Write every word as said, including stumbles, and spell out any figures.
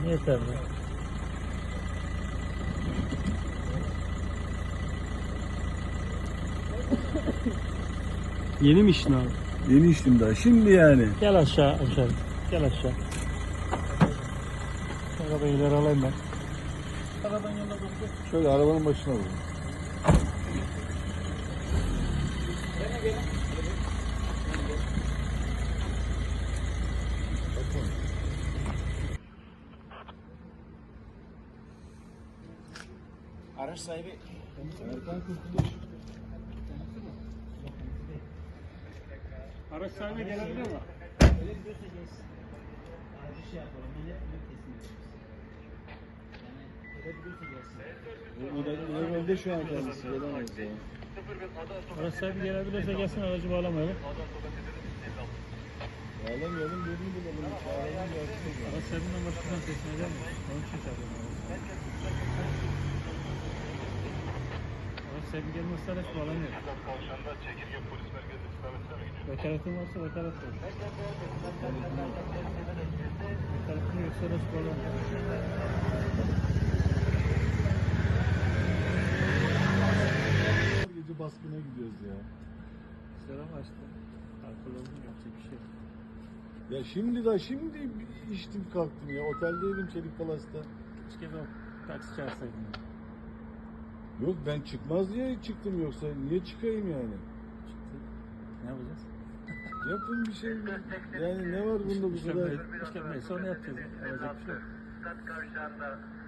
Tamam yeterli. Yeni mi içtin abi? Yeni içtim daha. Şimdi yani. Gel aşağı aşağı. Gel aşağı. Arabayı ileri alayım ben. Arabanın yanına durdu. Şöyle arabanın başına vurun. Araç sahibi Erkan Kurtuluş. Araç sahibi gelebilir mi? öyle gidiyorsa gelsin. Acil şey yapalım. Ben hep bunu teslim ediyoruz. Yani öyle gidiyorsa gelsin. O da evde şu an kendisi. Gelemez ya. Araç sahibi gelebilirse gelsin, aracı bağlamayalım. Bağlamayalım, birini bulalım. Çağıralım, gelsin. Araç sahibinden başkasından teslim edelim mi? Onun için çağırıyorum. Araç sahibi gelmezse araç bağlanıyor. Vekaletin varsa vekalet var. Vekaletin yoksa araç bağlanıyor. Gece baskına gidiyoruz ya. Selam açtı. Alkol oldum, yapacak bir şey yok. Ya şimdi da şimdi içtim kalktım ya. Oteldeydim Çelik Palas'ta. Keşke ben taksi çağırsaydım. Yok ben çıkmaz diye çıktım, yoksa niye çıkayım yani? Çıktı. Ne yapacağız? Yapın bir şey. Yani ne var bunda bu kadar? İşkembeye sonra yapacağız. Yapacak bir şey yok.